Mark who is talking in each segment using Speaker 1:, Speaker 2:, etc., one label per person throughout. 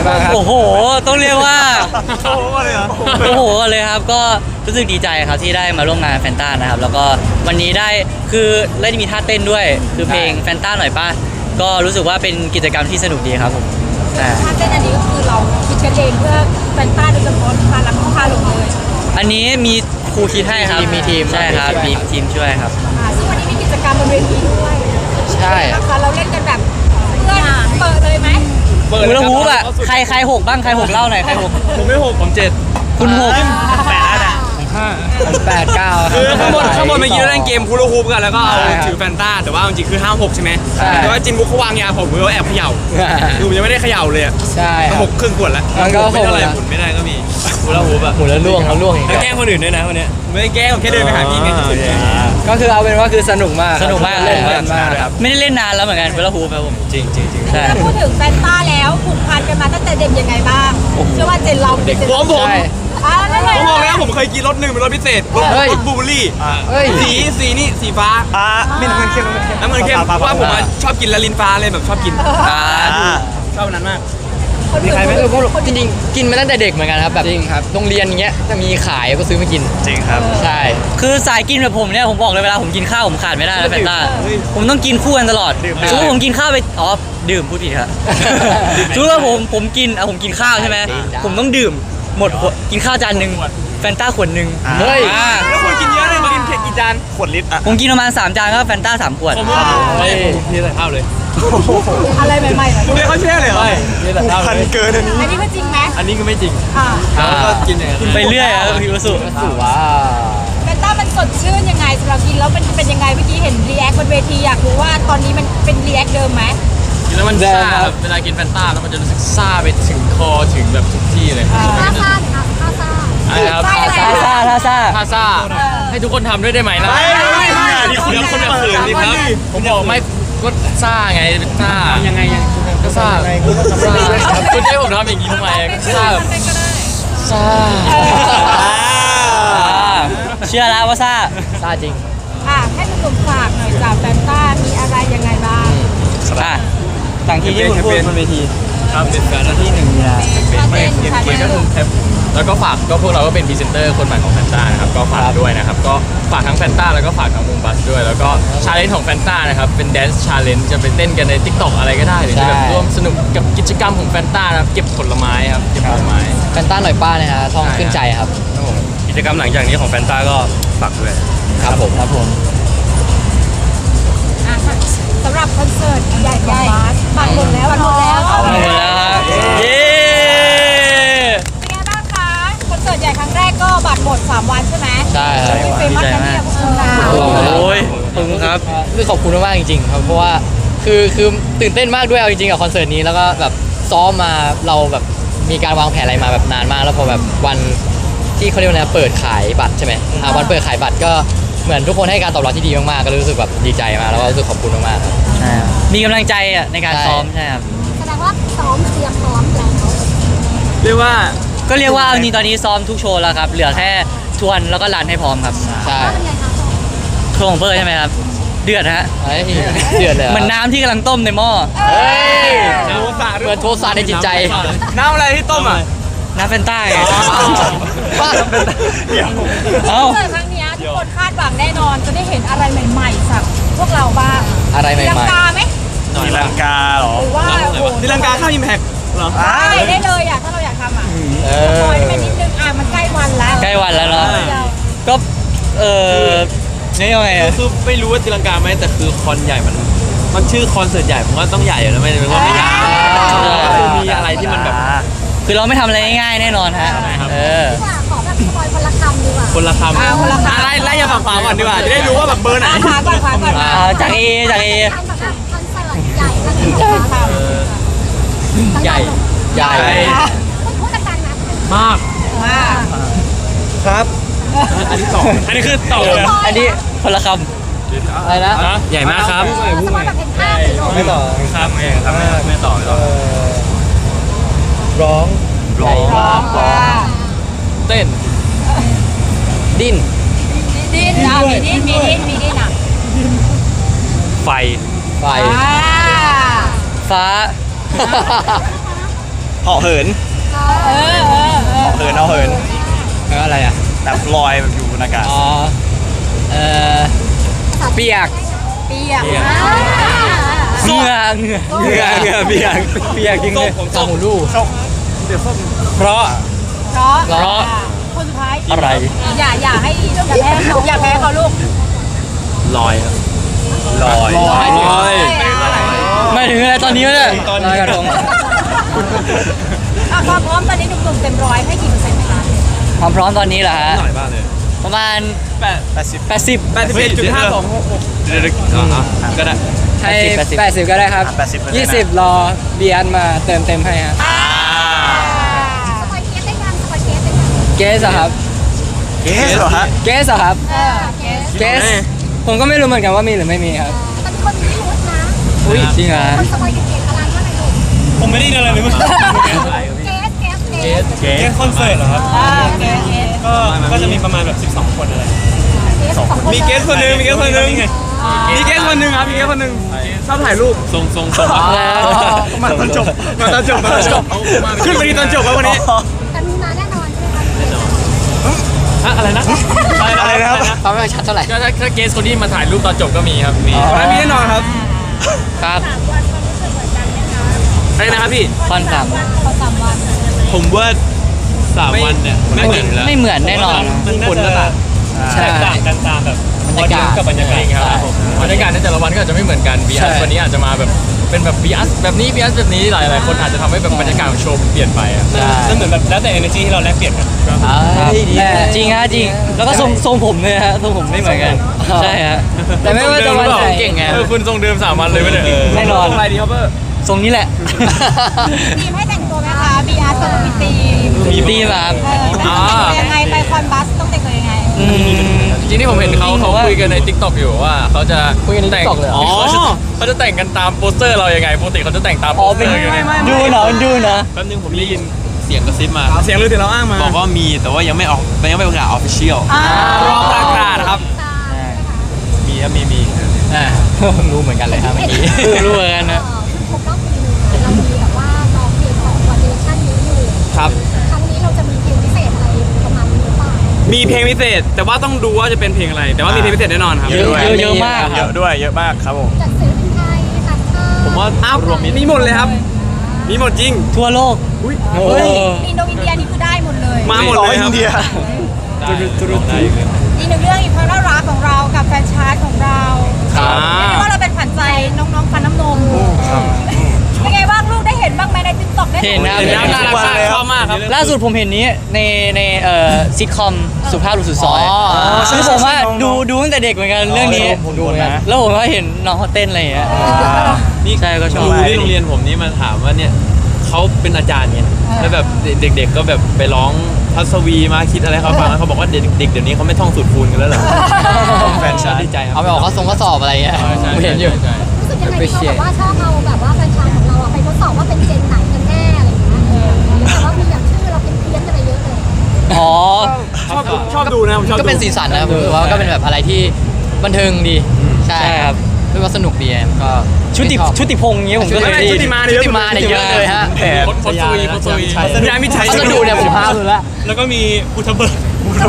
Speaker 1: บ้างครับ
Speaker 2: โอ้โหต้องเรียกว่า
Speaker 3: โอ้โหเลยเหรอ
Speaker 2: โอ้โหเลยครับก็รู้สึกดีใจครับที่ได้มาร่วมงานแฟนต้านะครับแล้วก็วันนี้ได้คือได้มีท่าเต้นด้วยคือเพลงแฟนต้าหน่อยป่ะก็รู้สึกว่าเป็นกิจกรรมที่สนุกดีครับผม
Speaker 4: ท่าเต้นอันนี้ก็คือเราคิดกันเองเพื่อแฟนต้าโดยเฉพาะพาลังพาลงเลย
Speaker 2: อันนี้มีครูคิดให้ครับมีทีมใช่ครับมีทีมช่วยครับ
Speaker 4: ซึ่งวันนี้มีกิจกรรมบนเวทีด้วย
Speaker 1: ใช่
Speaker 4: นะคะเราเล่นกันแบบเพื่อนเปิดเลยไหม
Speaker 2: ฮูลาฮูปอ่ะใครหกบ้างใครหกเล่าหน่อยใครหก
Speaker 3: ผมไม่หกผม7
Speaker 2: คุณหก
Speaker 3: 8แล้วนะ
Speaker 1: 8 9
Speaker 3: คือข้างบนเมื่อกี้เราเล่นเกมฮูลาฮูปกันแล้วก็เอาถือแฟนต้าแต่ว่าจริงๆคือห้าม6ใช่ไหมแต่ว่าจินบุ๊กเขาวางยาผมก็แอบเขย่าคือผมยังไม่ได้เขย่าเลยอ่ะ
Speaker 1: ใช่
Speaker 3: หกครึ่งขวดแล้ว
Speaker 1: มันก็
Speaker 3: ไม่เท่าไหร่
Speaker 1: หก
Speaker 3: หมุนไม่ได้ก็มีฮูลาฮูปอ่ะ
Speaker 1: หมุนแล้วล่วงอีก
Speaker 3: แล้วแกล้งคนอื่นด้วยนะวันนี้ไม่ได้แกล้งผมแค่เดินไปหาพี่ไง
Speaker 1: ก็คือเอาเป็นว่าคือสนุกมาก
Speaker 2: สนุกมาก
Speaker 1: เล่น
Speaker 2: เลย
Speaker 1: กันมากครับ
Speaker 2: ไม่ได้เล่นนานแล้วเหมือนกันฮูลาฮูปครับผม
Speaker 3: จริงจริงจริง
Speaker 2: ใช่
Speaker 4: ถ้าพูดถึงแฟนต้าแล้วผูกพันกันมาตั้งแต่เด็กยังไงบ้างเชื่อว่าเจนเราเด็ก
Speaker 3: ผม
Speaker 1: ใช่
Speaker 4: นั่นแหละ
Speaker 3: ผมบอกแล้วผมเคยกินรสหนึ่งเป็นรสพิเศษรส
Speaker 1: เฮ้ย
Speaker 3: บลูเบอร์รี่
Speaker 1: เฮ้ย
Speaker 3: สีนี่สีฟ้า
Speaker 5: ไม่น้ำเงินเข้ม
Speaker 3: น้ำเงินเข้มเพราะว่าผมชอบกินละลินฟ้าเลยแบบชอบกินชอบนั้นมาก
Speaker 4: มีใครไหม
Speaker 1: พวกจริงๆกินมาตั้งแต่เด็กเหมือนกันครับแบบจริงครับโรงเรียนอย่างเงี้ยจะมีขายก็ซื้อมากิน
Speaker 5: จริงครับ
Speaker 1: ใช่
Speaker 2: คือสายกินแบบผมเนี่ยผมบอกเลยเวลาผมกินข้าวผมขาดไม่ได้นะแฟนต้าผมต้องกินคู่กันตลอดสมมติผมกินข้าวไปอ๋อดื่มพูดผิดครับสมมติว่าผมกินผมกินข้าวใช่ไหมผมต้องดื่มหมดกินข้าวจานหนึ่งแฟนต้าขวดหนึ่ง
Speaker 1: เฮ้ย
Speaker 3: แล้วคนกินเยอะเลยมากินเค้กกี่จาน
Speaker 5: ขวดลิตรอ่ะ
Speaker 2: ผมกินประมาณ3 จานก็แฟนต้า3 ขวด
Speaker 3: ผมว่าไม่ผมเทใส่ข้าวเลย
Speaker 4: อะไรใหม่ๆเหรอ
Speaker 3: คุณเรียกเขาแช่เลยเหรอ
Speaker 1: นี่แหละครับ
Speaker 5: พันเกินอันนี้
Speaker 4: อันนี้ก็จริงไหม
Speaker 3: อันนี้ก็ไม่จริง
Speaker 4: อ่า
Speaker 3: ก็กินอย่างนั้น
Speaker 2: ไปเรื่อยครับพี่วสุ
Speaker 1: สุว้า
Speaker 4: แฟนต้ามันสดชื่นยังไงสำหรับกินแล้วมันเป็นยังไงเมื่อกี้เห็นรีแอคบนเวทีอยากรู้ว่าตอนนี้มันเป็นรีแอคเดิมไหม
Speaker 3: กินแล้วมันซ่าเวลากินแฟนต้าแล้วมันจะรู้สึกซ่าไปถึงคอถึงแบบทุกที่เลยครับ
Speaker 4: ท่าซ่าครับท่าซ่า
Speaker 3: ครับ
Speaker 2: ท่าซ่า
Speaker 3: ท่าซ่าให้ทุกคนทำด้วยได้ไหมล่ะ
Speaker 5: นี่คุณ
Speaker 3: เดี๋ยวคนจะ
Speaker 5: เปิ
Speaker 3: ฝื
Speaker 5: ด
Speaker 3: น
Speaker 5: ดิ
Speaker 3: ดิ
Speaker 5: ค
Speaker 3: ค
Speaker 5: รั
Speaker 3: รับ บผมบอกไม่ก็ซ่าไงเป็นซ่ายังไงก็ซ่าคุณให้ผมทำอย่างนี้ทำไมก็ซ่าแบบซ่า
Speaker 2: เชื่อแล้วว่าซ่า
Speaker 1: ซาจริง
Speaker 4: ให้คุณสมฝากหน่อยจากแฟนต้ามีอะไรยังไงบ้าง
Speaker 2: อ่ะต่างที่ที่คุณพูดบนเวที
Speaker 3: ครับเป็นการที่
Speaker 2: 1 มีนา
Speaker 3: เป็นก็คือแล้วก็ฝากก็พวกเราก็เป็นพรีเซนเตอร์คนใหม่ของแฟนต้านะครับก็ฝากด้วยนะครับก็ฝากทั้งแฟนต้าแล้วก็ฝากทั้งวงบัสด้วยแล้วก็ชาเลนจ์ของแฟนต้านะครับเป็นแดนซ์ชาเลนจ์จะไปเต้นกันใน TikTok อะไรก็ได้หรือจะแบบร่วมสนุกกับกิจกรรมของแฟนต้านะครับเก็บผลไม้ครับเก็บผลไม้
Speaker 1: แฟนต้าหน่อยป้านะฮะท่องขึ้นใจครับ
Speaker 3: กิจกรรมหลังจากนี้ของแฟนต้าก็ฝากด้วย
Speaker 1: ครับผม
Speaker 4: สำหรับคอนเสิร์ตใหญ่ของบาสบัตรหมดแล้วบัตรหมดแล้ว
Speaker 2: เอาหมดแล้วครับเย้
Speaker 4: เป็นไงบ้างคะคอนเสิร์ตใหญ่ครั้งแรกก็บัตรหมด3 วันใช่ไหม
Speaker 1: ใช่ครับ
Speaker 4: เฟมัสกันเนี่ยพวกคุณนะ
Speaker 2: โอ้ยขอบคุณครับ
Speaker 1: คือขอบคุณมากๆจริงๆครับเพราะว่าคือตื่นเต้นมากด้วยเอาจริงๆกับคอนเสิร์ตนี้แล้วก็แบบซ้อมมาเราแบบมีการวางแผนอะไรมาแบบนานมาก แล้วพอแบบวันที่เขาเรียกว่าอะไรเปิดขายบัตรใช่ไหมวันเปิดขายบัตรก็เหมือนทุกคนให้การตอบรับที่ดีมากๆก็รู้สึกแบบดีใจมากแล้วก็รู้สึกขอบคุณมากๆครับ
Speaker 2: มีกำลังใจอ่ะในการซ้อมใช่ครับ
Speaker 4: แสดงว่าซ้อมเตรียมพร้อมแล้ว
Speaker 3: เรียกว่า
Speaker 2: ก็เรียกว่าเอาจริงตอนนี้ซ้อมทุกโชว์แล้วครับ เหลือแค่ทวนแล้วก็รันให้พร้อมครับ
Speaker 1: ใช่
Speaker 2: โชว์ของเพิร์ใช่ไหมครับ เดือดฮะ
Speaker 1: เฮ้ยเดือดเลย
Speaker 2: เหมือนน้ำที่กำลังต้มในหม้อ
Speaker 1: เฮ้ย
Speaker 3: โทสะ
Speaker 1: เหมือนโทสะในจิตใจ
Speaker 3: น้ำอะไรที่ต้มอ่ะ
Speaker 2: น้ำแฟนต้าไง
Speaker 1: บ้า
Speaker 2: เอ้า
Speaker 4: คอนเสิร์ตครั้งนี้ทุกคนคาดหวังแน่นอนจะได้เห็นอะไรใหม่ๆจากพวกเราบ้าง
Speaker 1: อะไรใหม่
Speaker 4: ลังกาไหม
Speaker 5: ศรีลังกาเหรอ
Speaker 4: หรือว่าโอ้โห
Speaker 3: ศรีลังกาเข้าอิมแพคเหรอ
Speaker 4: ได้เลยอ่ะถ้าเราอยากทำอ่ะ
Speaker 1: เอ
Speaker 4: ค
Speaker 1: อ
Speaker 4: อยไปนิดนึงมันใกล้วันแล้ว
Speaker 2: ใกล้วันแล้วเนาะ ก็เนี่ยยังไงอะ
Speaker 6: คือไม่รู้ว่าตีลังกาไหมแต่คือคอนใหญ่มันชื่อคอนเสิร์ตใหญ่ผมว่าต้องใหญ่อยู่แล้วไม่ได้เป็นว่าไม่ใหญ่คือมีอะไรที่มันแบบ
Speaker 2: คือเราไม่ทำอะไรง่ายๆแน่นอนฮะ
Speaker 4: ขอแบบสปอยคนละคำดีกว่า
Speaker 6: คนละคำ
Speaker 4: คนละคำ
Speaker 3: ไล่อย่าฝั่งขวาก่อนดีกว่าจะได้รู้ว่าแบบเบอร์ไหน
Speaker 4: ขวาก่อนขวาก่อน
Speaker 2: จากเอ
Speaker 4: คอนเสิร์ตใหญ่ครั้งนี้
Speaker 1: ใหญ่ใหญ่
Speaker 4: พูดดังๆนะ
Speaker 6: มาก
Speaker 4: มา
Speaker 5: ครับ
Speaker 3: อันนี้คือต่อเลย
Speaker 2: อันนี้คนละค
Speaker 1: อะไรนะ
Speaker 6: ใหญ่มากครับ
Speaker 4: สปอยแบบเห็นภาพเลยลูก
Speaker 5: ไม่ต่อ
Speaker 3: ครับไม่ต่อ
Speaker 5: ร้อง
Speaker 1: ใหญ่มาก
Speaker 6: เต้น
Speaker 1: ดิ้น
Speaker 4: ดิ้นมีดิ้นอ่ะ
Speaker 6: ไฟ
Speaker 1: ไฟ
Speaker 2: ำฟ้า
Speaker 5: เหาะเหิน
Speaker 4: เออเออเออ
Speaker 5: เหาะเหิน
Speaker 1: แล้วอะไรอ่ะ
Speaker 5: แบบลอยแบบอยู่บนอากาศ
Speaker 1: อ๋อเออเปียก
Speaker 4: เปียก
Speaker 2: เหงื่อเหงื่อ
Speaker 5: เหงื่อเปียก
Speaker 2: เปียกจริงเลย
Speaker 1: ซาฮูลู
Speaker 5: เพราะ
Speaker 4: เพราะคนสุดท้าย
Speaker 2: อะไร
Speaker 4: อย่าให้อย่าแพ้เขาลูก
Speaker 6: ลอยครับ
Speaker 5: ลอย
Speaker 2: ไม่ถึงอะไรตอนนี้วะเนี่ยลอยกระทง
Speaker 4: ความพร้อมตอนนี้หนุ่มๆเต็มร้อยให้กี่เปอร์เซ็นต์คะ
Speaker 2: ความพร้อมตอนนี้เหรอฮะ
Speaker 6: หน่อยบ้างเลย
Speaker 2: ประมาณ
Speaker 5: 80
Speaker 6: 81.52เดี๋ยวก็ได้
Speaker 1: ให้
Speaker 2: 80
Speaker 1: 80 ก็ได้ครับ
Speaker 5: 80%
Speaker 1: 20 รอเบียนมาเติมเต็มให้ฮะ
Speaker 4: สปอยเคสได้ยังสปอยเคสได้ยัง
Speaker 1: เกสอะครับ
Speaker 5: เกสเหรอฮะ
Speaker 1: เกสอะครับ
Speaker 4: เคส
Speaker 1: เกสผมก็ไม่รู้เหมือนกันว่ามีหรือไม่มีครับ
Speaker 4: แต่มีคนมีพิรุธนะ
Speaker 1: อุ้ยจริงเหรอ
Speaker 4: คนสปอยเก่งๆอะไรว่าอะไรลูก
Speaker 5: ผมไม่ได้ยินอะไรเลยเมื่อกี้
Speaker 4: เกส
Speaker 5: เกสคอนเสิร์ตเหรอครับ
Speaker 4: เกส
Speaker 5: ก็จะมีประมาณแบบ12 คนอะไร
Speaker 4: เกสสองคน
Speaker 5: มีเกสคนหนึงมีเกสคนหนึงมีเกสคนหนึงครับมีเกสคนหนึงชอบถ่ายรูป
Speaker 6: ทรง
Speaker 5: มาตอนจบขึ้นไปดีตอนจบแล้ววันนี้
Speaker 4: แต่มีมาแน่นอนใช่ไหมคะ
Speaker 6: อะไรนะ
Speaker 5: อะไรนะครับ
Speaker 1: เขาไม่ชัดเท่าไหร่
Speaker 3: ก็ถ้าเกสคนที่มาถ่ายรูปตอนจบก็มีครับมี
Speaker 5: มีแน่นอนครับ
Speaker 1: ครับ
Speaker 6: อะไรนะครับพี่
Speaker 2: คอนสาม
Speaker 4: เขา3 วัน
Speaker 6: ผมว่า3 วันเนี่ยไม่เหมือนอยู่แล้ว
Speaker 2: ไม่เหมือนแน่นอน
Speaker 6: คนก็ต่าง
Speaker 1: ใช่
Speaker 5: ต่างกันตามแบบ
Speaker 1: บรรยากาศ
Speaker 5: กับบรรยากาศ
Speaker 3: ครับบรรยากาศในแต่ละวันก็อาจจะไม่เหมือนกันบี
Speaker 1: ใช่
Speaker 3: อัสวันนี้อาจจะมาแบบเป็นแบบบีอัสแบบนี้บีอัสแบบนี้หลายๆคนอาจจะทำให้แบบบรรยากาศของโชว์เปลี่ยนไปอะ
Speaker 1: ใช่
Speaker 5: นั่นเหมือนแบบแล้วแต่ energy ที่เราแลกเปลี่ยนกัน
Speaker 2: จริงฮะจริง แล้วก็ทรงผมเลยฮะทรงผมไม่เหมือนกัน ใช่ฮะ
Speaker 1: แต่ไม่ว่าจะวันไหน
Speaker 2: เก่งไง
Speaker 3: คุณทรงเดิม3 วันเลยไม่ได้
Speaker 2: แน่นอน
Speaker 5: อะไรดีครับเบอร์
Speaker 2: ทรงนี้แหละ
Speaker 4: ทีมให้แต่งตัวไหมคะบีอาร์ตมีทีม
Speaker 2: มีดีมครับ
Speaker 4: ยังไงไปคอนบัสต้องแต่งตัวยังไง
Speaker 3: จริงๆที่ผมเห็นเขาคุยกันใน TikTok อยู่ว่าเขาจะ
Speaker 1: คุยกันใน
Speaker 3: แต่ง
Speaker 1: TikTok เลยเหรอ
Speaker 3: เขาจะแต่งกันตามโปสเตอร์เรายังไงปกติเขาจะแต่งตามโป
Speaker 2: อ๋อ
Speaker 3: สเต
Speaker 2: เป็
Speaker 3: อน ร์อยู่เนี่ย
Speaker 2: ดูเนาะดูนะ
Speaker 6: แป๊บนึงผมได้ยินเสียงกระซิบมา
Speaker 5: เสียงลือถึงเราอ้างมา
Speaker 6: บอกว่ามีแต่ว่ายังไม่ประกาศออฟฟิเชียล
Speaker 5: รอประกาศครับ
Speaker 6: มีครับมี
Speaker 1: อ่ารู้เหมือนกันเลยครับเมื่อกี้
Speaker 2: รู้เหมือนกันนะ
Speaker 4: ครบรอบปีนึงเรามีแบบว่าร้องเพลงของคอนเสิร์ตนี้อยู่
Speaker 5: ครับ
Speaker 4: ครั้งนี้เราจะมีเพลงพิเศษอะไรประมาณนี้หรือเปล่า
Speaker 5: มีเพลงพิเศษ แต่ว่าต้องดูว่าจะเป็นเพลงอะไร แต่ว่ามีเพลงพิเศษแน่นอนครับ
Speaker 2: เยอะมาก
Speaker 5: เยอะด้วยเยอะมากครับผม
Speaker 4: จัดศิลปินไทยต่างชาติ
Speaker 6: ผมว่า
Speaker 5: อ้าว
Speaker 6: รวมมิตร
Speaker 5: มีหมดเลยครับ มีหมดจริง
Speaker 2: ทั่วโลก
Speaker 1: โอ้
Speaker 4: อินโดอินเดียนี่คือได้หมดเลย
Speaker 5: มาหมดเลยครับ
Speaker 6: ได้ลองได้เลย
Speaker 4: อีกหนึ่งเรื่องอีกความน่ารักของเรากับแฟนชาร์ตของเรา
Speaker 5: ครับ
Speaker 4: เรียกได้ว่าเราเป็นขวัญใจน้องๆฟันน้ำนมเป็นไงบ้างลูกได้เห็นบ้างไหมในติ๊กต็อกได้
Speaker 2: เห็นครับ
Speaker 5: เห็นแล้วน่ารักมากชอบมากครับ
Speaker 2: ล่าสุดผมเห็นนี้ในซิทคอมสุภาพบุรุษสุดซอย
Speaker 5: ใช่
Speaker 2: คือ
Speaker 5: ใช่
Speaker 2: ผมว่า
Speaker 5: ใช่น้องๆ
Speaker 2: ดูตั้งแต่เด็กเหมือนกันเรื่องนี้
Speaker 1: ผมดูเหมือนกัน
Speaker 2: แล้วผมก็เห็นน้องเขาเต้นอะไรอย่างเงี้ย
Speaker 6: นี่
Speaker 2: ใช่ก็ชอบ
Speaker 6: ครูที่โรงเรียนผมนี่มาถามว่าเนี่ยเขาเป็นอาจารย์ไงแล้วแบบเด็กๆก็แบบไปร้องทัศวีมาคิดอะไรเขาฟังแล้วเขาบอกว่าเด็กๆเดี๋ยวนี้เขาไม่ท่องสูตรคูณกันแล้วเหรอแฟนชาดีใจครับ
Speaker 1: เอาไปออกข้อสอบอะไรเงี้ยผมเห็นอยู่
Speaker 4: รู้สึกยังไงที่เขาแบบว่าชอบเอาแบบว่าแฟนชาร์ตของเราอะไปทดสอบว่าเป็นเจนไหนกันแน่อะไรอย่างเงี้ยแต่ว่ามีอย่างชื่อเราเป็นเพี้ยนอะไรเยอะเลย
Speaker 2: อ๋อ
Speaker 5: ชอบดูนะผมชอบดู
Speaker 1: ก็เป็นสีสันนะครับผมรู้สึกว่าก็เป็นแบบอะไรที่บันเทิงดี ใช่
Speaker 2: ใช่ครับ
Speaker 1: รู้ว่าสนุกดีก็
Speaker 2: ชุติพงษ์อย่างเงี้ยผมก็เลย
Speaker 5: ชุติมาเนี่ย
Speaker 1: ชุติมาเนี่ยเยอะเลยฮะ
Speaker 5: แผน
Speaker 3: โคตรสวีโคตรสวี
Speaker 5: ยามิชัย
Speaker 1: พัสดุเนี่ยผมพาเลยละ
Speaker 5: แล้วก็มีอุทเบิร์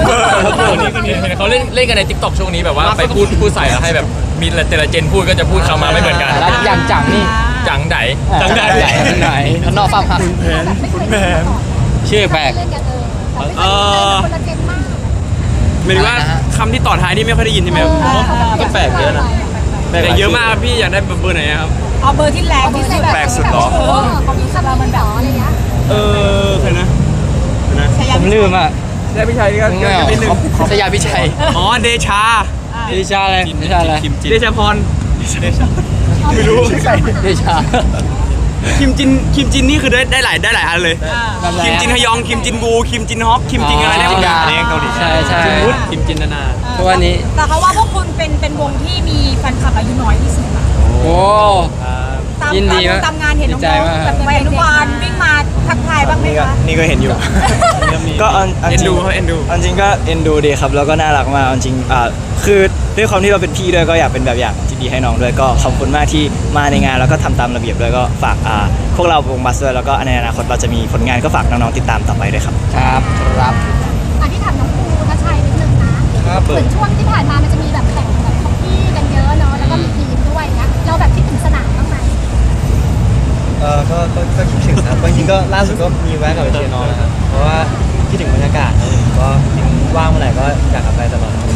Speaker 3: เขาเล่นกันใน TikTok ช่วงนี้แบบว่าไปพูดใส่แล้วให้แบบมีแต่ละเจนพูดก็จะพูดคำมาไม่เหมือนกัน
Speaker 1: แล้วอย่างจังนี่
Speaker 3: จังได
Speaker 1: จังไหนไหนแล้วนอกฟาร์มฮัก
Speaker 4: แบบไม่เคยเล่นมาก่อน
Speaker 2: ชื่อแปลก
Speaker 4: เล่นกันคนละเจนมาก
Speaker 5: หมายถึงว่าคำที่ต่อท้ายนี่ไม่ค่อยได้ยินใช่ไหมครับ
Speaker 6: ก็แปลกเยอะนะ
Speaker 5: แต่เยอะมากครับพี่อยากได้เบอร์ไหนครับ
Speaker 4: เอาเบอร์ที่แรงที่สุด
Speaker 5: แปลกสุดเหรอ
Speaker 4: เขามีคำมันแบบอะไรเงี้ย
Speaker 5: ใครนะ
Speaker 2: ผมลืมอ่ะ
Speaker 5: ได้พี่ชัยก็
Speaker 1: ไม่เอา
Speaker 5: นิดนึง
Speaker 1: ชยาพิชัย
Speaker 5: อ๋อเดชา
Speaker 2: ดิชาอะไรดิชาอะไร
Speaker 6: คิมจิน
Speaker 5: เดชาพรไม่รู้
Speaker 1: เดชา
Speaker 5: คิมจินนี่คือได้หลายอันเลย คิมจินฮยองคิมจินบูคิมจินฮอกคิมจินอะไรได้หมดเลยอันนี้เกาหลี
Speaker 2: ใช่ใช่
Speaker 6: คิมจินนานา
Speaker 1: ทุกวันนี้
Speaker 4: แต่เขาว่าพวกคุณเป็นวงที่มีแฟนคลับอายุน้อยที่สุด
Speaker 1: โอ้
Speaker 4: ตาม
Speaker 1: ยินดีมาก
Speaker 4: ตามงานเห็นน้
Speaker 1: ดีใจ
Speaker 4: อง
Speaker 1: มาก
Speaker 4: ๆแบบวัยอนุบาลวิ่งมาทักทายบ้างไหมคะ
Speaker 7: นี่ก็เห็นอยู่ ก็อัน
Speaker 5: เอ็น
Speaker 7: จริ
Speaker 5: ดู
Speaker 7: ง
Speaker 5: เขาเอ็นดู
Speaker 7: อันจริงก็เอ็นดูดีครับ แล้วก็น่ารักมากอันจริงคือด้วยความที่เราเป็นพี่ด้วยก็อยากเป็นแบบอย่างที่ดีให้น้องด้วยก็ขอบคุณมากที่มาในงานแล้วก็ทำตามระเบียบด้วยก็ฝากพวกเราวงบัสด้วยแล้วก็ในอนาคตเราจะมีผลงานก็ฝากน้องๆติดตามต่อไปด้วยครับ
Speaker 1: ครับครับ
Speaker 4: อันที่ถามน้องภูทัชชัยนิดนึงนะครับ เหมือนช่วงที่ผ่านมามันจะมีแบบแข่งแบบของพี่กันเยอะเนาะแล้วก็มีทีมด้วยนะเราแบบคิดถึงสนามบ้างไหม
Speaker 8: ก็คิดถึงครับจริงๆก็ล่าสุดก็มีแวะกลับไปเชียร์น้องนะครับเพราะว่าคิดถึงบรรยากาศครับผมก็จริงว่างเมื่อไหร่ก็อยากกลับไปตลอดครับ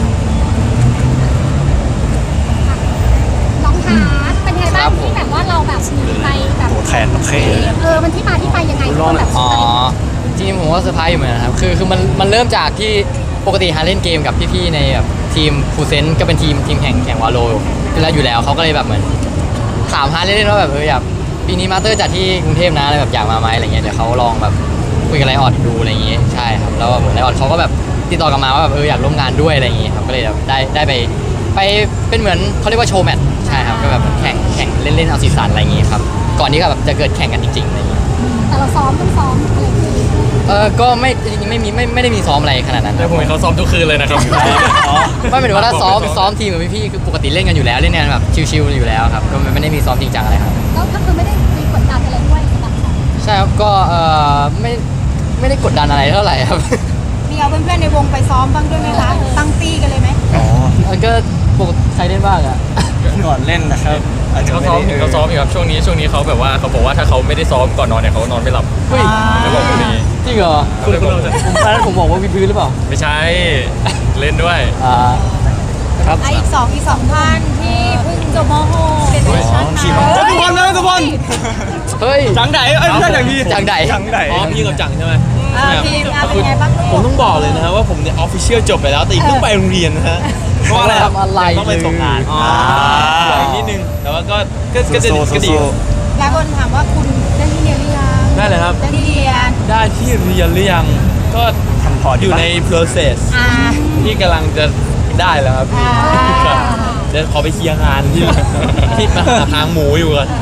Speaker 4: น้องฮาร์ดเป็นไงบ้างที่แบบว่าเราแบบมีไปแบบ
Speaker 7: โอ้แทนโอเค
Speaker 4: มันที่มาที่ไปยังไงต้องแบบ
Speaker 1: อ๋อจริงๆผมว่าเซอร์ไพรส์อยู่เหมือนกันครับคือมันเริ่มจากที่ปกติฮาเล่นเกมกับพี่ๆในแบบทีมฟูเซนก็เป็นทีมแข่งวาโลอยู่แล้วเขาก็เลยแบบเหมือนถามฮาเล่นๆว่าแบบอยากปีนี้มาสเตอร์จัดที่กรุงเทพนะอะไรแบบอยากมาไหมอะไรเงี้ยเดี๋ยวเขาลองแบบคุยกับไลออดดูอะไรอย่างงี้ใช่ครับแล้วเหมือนไลออดเขาก็แบบติดต่อกลับมาว่าแบบอยากร่วมงานด้วยอะไรอย่างงี้ครับก็เลยแบบได้ไปเป็นเหมือนเขาเรียกว่าโชว์แมตช์ใช่ครับก็แบบแข่งเล่นๆเอาสีสันอะไรอย่างงี้ครับก่อนที่แบบจะเกิดแข่งกันจริงๆอะไรอย่างงี้
Speaker 4: แต่เราซ้อมต้องซ้อมอะไรอย่างงี้
Speaker 1: ก็ไม่จริงๆไม่ได้มีซ้อมอะไรขนาดนั้น
Speaker 3: แต่ผมเห็นเขาซ้อมทุกคืนเลยนะครับ
Speaker 1: ไม่หมายถึงว่าถ้าซ้อมทีมกับพี่ๆคือปกติเล่นกันอยู่แล้วเล่นกันแบบชิวๆอยู่แล้วครับก็ไม่ได้มีซ้อมจริงจังอะไรครับ
Speaker 4: ก็คือไม่ได้มีกดดันอะไรด้วยสำหรับเรา
Speaker 1: ใช่ครับก็ไม่ได้กดดันอะไรเท่าไหร่ครับ
Speaker 9: มีเอาเพื่อนๆในวงไปซ้อมบ้างด้วยไหมคะ ตั้งตี้กันเลยไหม
Speaker 7: อ๋อ
Speaker 1: แล้วก็ปกติใครเล่นบ้างอะ
Speaker 7: ก่อนเล่นนะครับอาจจะ
Speaker 3: เขา
Speaker 7: ไม่
Speaker 3: ซ้อม
Speaker 7: ได้
Speaker 3: เขาซ้อมอยู่ครับช่วงนี้เขาแบบว่าเขาบอกว่าถ้าเขาไม่ได้ซ้อมก่อนนอนเนี่ยเขานอนไม่หลับ
Speaker 1: เฮ้ย
Speaker 3: เขาบอกแบบนี้
Speaker 1: จริงเหรอ
Speaker 3: คุณเราจะ
Speaker 1: ผมตอนนั้นผมบอกว่าวิดพื้นหรือเปล่า
Speaker 3: ไม่ใช่เล่นด้วย
Speaker 1: ครับ
Speaker 9: อีกสองท่านที่เพิ่งจบม .6 เกรดชั่น
Speaker 7: ขี่
Speaker 9: มา
Speaker 7: ม้า
Speaker 5: ทุกคนนะทุกคน
Speaker 1: เฮ้ย
Speaker 5: จังไดเอ้ยไม่ใช่อย่างพี่
Speaker 1: จังได
Speaker 5: จังได
Speaker 6: อ๋อพี่กับจังใช่ไหม
Speaker 9: ทีมเป็นไงบ้าง
Speaker 6: ผมต้องบอกเลยนะฮะว่าผมเนี่ยออฟฟิเชียลจบไปแล้วแต่อีกต้องไปโรงเรียนนะฮะ
Speaker 1: เพราะอะไรครับอะไร
Speaker 6: ต้องไปส่งงาน
Speaker 5: อ๋อ
Speaker 6: อีกนิดนึงแต่ว่าก็จะดี
Speaker 9: หลายคนถามว่าคุณได้ที่เรียนหรือยัง
Speaker 6: ได้เลยครับ
Speaker 9: ได้ที่เรียน
Speaker 6: ได้ที่เรียนหรือยังก็
Speaker 7: ทำพอร์ต
Speaker 6: อยู่ใน process ที่กำลังจะได้แล้วครับครับเดี๋ยวขอไปเคลียร์งานที่มาหาทางหมูอยู่ก่อน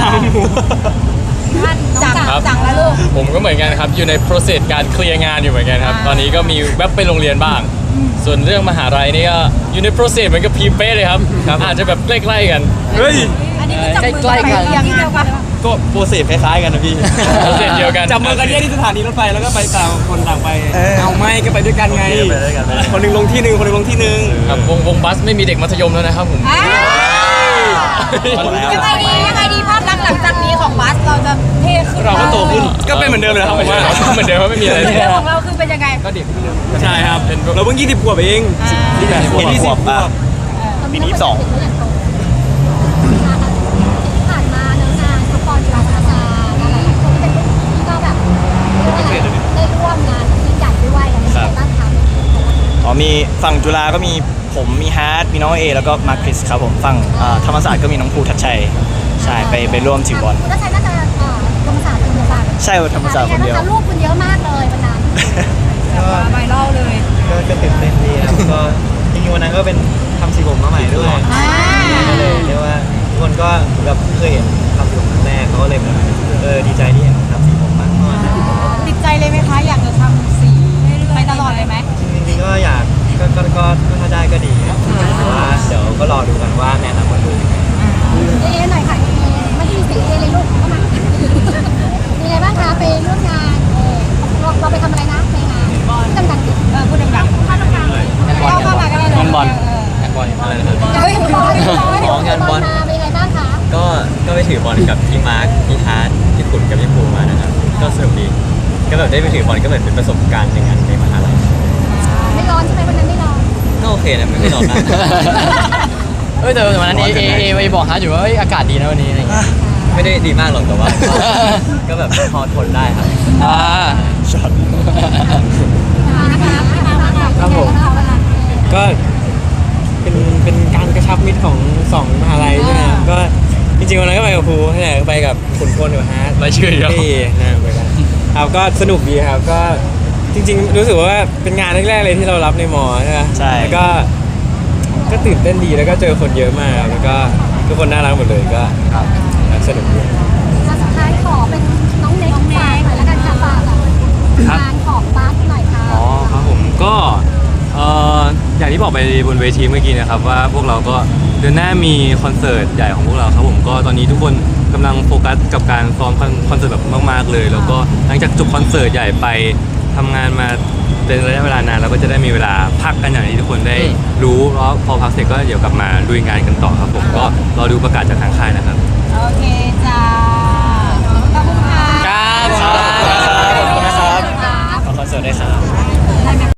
Speaker 9: จังแล้วลูก
Speaker 3: ผมก็เหมือนกันครับอยู่ใน process การเคลียร์งานอยู่เหมือนกันครับตอนนี้ก็มีแวบไปโรงเรียนบ้าง ส่วนเรื่องมหาลัยนี่ก็อยู่ใน process เหมือนกับพีเป้เลยครับอาจจะแบบใกล้ๆกัน
Speaker 5: เฮ้ย
Speaker 9: อันนี้คือจับมือ
Speaker 1: ใกล้ๆกัน
Speaker 9: ไปเรียนที่เดียวกัน
Speaker 6: ก็โปรเซสคล้ายๆกันนะพี่
Speaker 3: process เดียวกัน
Speaker 5: จับมือกันแยกที่สถานีรถไฟแล้วก็ไปต่างคนต่างไป เอาไม่ก็ไปด้วยกันไง
Speaker 6: ไปด้วยกันไปด้วยกัน
Speaker 5: คนหนึงลงที่หนึ่งคนหนึงลงที่หนึ่ง
Speaker 3: ครับวงบัสไม่มีเด็กมัธยมแล้วนะครับผม
Speaker 9: ยังไงดีภาพลักษณ์หลังจากนี้ของบัสเราจะเท่ขึ้น
Speaker 3: เราก็โตขึ้น
Speaker 5: ก็เป็นเหมือนเดิมเลยครับผมว่า
Speaker 3: เหมือนเดิมว่าไม่มีอะไร
Speaker 9: เรื่องของเราคือเป็นยังไง
Speaker 3: ก็เด็กเหมือนเดิม
Speaker 5: ใช่ครับเราเพิ่ง20 ขวบเอง
Speaker 7: ที่แบบ
Speaker 5: ปีที่10 ขวบ
Speaker 7: ปีนี้22
Speaker 4: ที่ผ่านมาเนื้องานฟุตบอลกีฬาซาซาหลายๆคนเป็นรุ่นพี่ก็แบบได้ร่วมงานที่ใหญ่ด้วยอะไรอย่างเงี้ยบ้างคะ
Speaker 7: อ๋อมีฝั่งจุฬาก็มีผมมีฮาร์ดมีน้องเอแล้วก็มาร์คริสครับผมฝั่งธรรมศาสตร์ก็มีน้องภูทัชชัยใช่ไปร่วมทีมบอล
Speaker 4: คุณทัชชัยน่าจะธรรมศาสตร์คนเดียวกัน
Speaker 7: ใช่ธรรมศาสตร์คนเดียว
Speaker 4: ลูกคุณเยอะมากเลยวันนั้น
Speaker 9: ไวรัลเลย
Speaker 8: ก็ตื่นเต้นดีครับก็จริงๆวันนั้นก็เป็นทำสีผมมาใหม่ด้วยก็เลยเรียกว่าทุกคนก็เหมือนกับเคยเห็นทำสีผมครั้งแรกเขาก็เลยแบบดีใจที่เห็นทำสีผมมากขึ้น
Speaker 9: ติดใจเลยไหมคะ อยากจะทำสีไปตลอดเลยไหม
Speaker 8: จริงๆก็อยากก็ถ้าได้ก็ดีครับแต่ว่าเดี๋ยวก็รอดูกันว่าแนะนำมาดูยังไง
Speaker 4: เอหน่อยค่ะเอไม่ได้ยินเสียงเอเลยลูกเข้ามาเป็นไงบ้างคะไปร่วมงานเราไปทำอะไรนะในงานดังๆดิ
Speaker 9: พูดดังๆ
Speaker 4: ข้าวดังๆ
Speaker 9: เข้ามากันเลย
Speaker 1: งานบอลงานบอลอะไรนะครับ
Speaker 4: เฮ้ยบอลมาเป็นไงบ้างคะ
Speaker 8: ก็ไปถือบอลกับพี่มาร์คพี่ฮาร์ดพี่ขุนกับพี่ภูมานะครับก็สนุกดีก็แบบได้ไปถือบอลก็เหมือนเป็นประสบการณ์อย่างนั้นในมหาลัย
Speaker 4: ไม่ร้อนใช่ไหมวันนั้นไม่ร้อน
Speaker 8: ก็โอเคนะไม่ร้อนมาก
Speaker 1: เฮ้ยแต่วันนั้นเอบอกฮาร์ดอยู่ว่าอากาศดีนะวันนี้อะไรอย่างเงี้ย
Speaker 8: ไม่ได้ดีมากหรอกแต่ว่าก็แบบพอทนได้ครับ
Speaker 7: ช็อต
Speaker 4: ครับผม
Speaker 10: ก็เป็นการกระชับมิตรของ2มหาลัยใช่ไหมครับก็จริงๆวันนั้นก็ไปกับครูแต่ไปกับขุนพลกับฮาร์ด
Speaker 3: รายชื่ออีกแล้ว
Speaker 10: ที่นะเหมือนกันครับก็สนุกดีครับก็จริงๆรู้สึกว่าเป็นงานแรกๆเลยที่เรารับในมอใช่ไหม
Speaker 7: ใช่
Speaker 10: แล้วก็ตื่นเต้นดีแล้วก็เจอคนเยอะมากครับแล้วก็ทุกคนน่ารักหมดเลยก็สนุกดี
Speaker 4: สุดท้ายขอเป็นน้องเน็กฝากหน่อยแล้วกันค่ะฝากงานของบัสหน่อยค่ะ
Speaker 5: อ๋อครับผมก็อย่าง
Speaker 6: ที่บอกไปบนเวทีเมื่อกี้นะครับว่าพวกเราก็เดือนหน้ามีคอนเสิร์ตใหญ่ของพวกเราครับผมก็ตอนนี้ทุกคนกำลังโฟกัสกับการซ้อมคอนเสิร์ตแบบมากๆเลย แล้วก็หลังจากจบคอนเสิร์ตใหญ่ไปทำงานมาเป็นระยะเวลานานเราก็จะได้มีเวลาพักกันอย่างที่ทุกคนได้รู้แล้วพอพักเสร็จก็เดี๋ยวกลับมาลุยงานกันต่อครับผมก็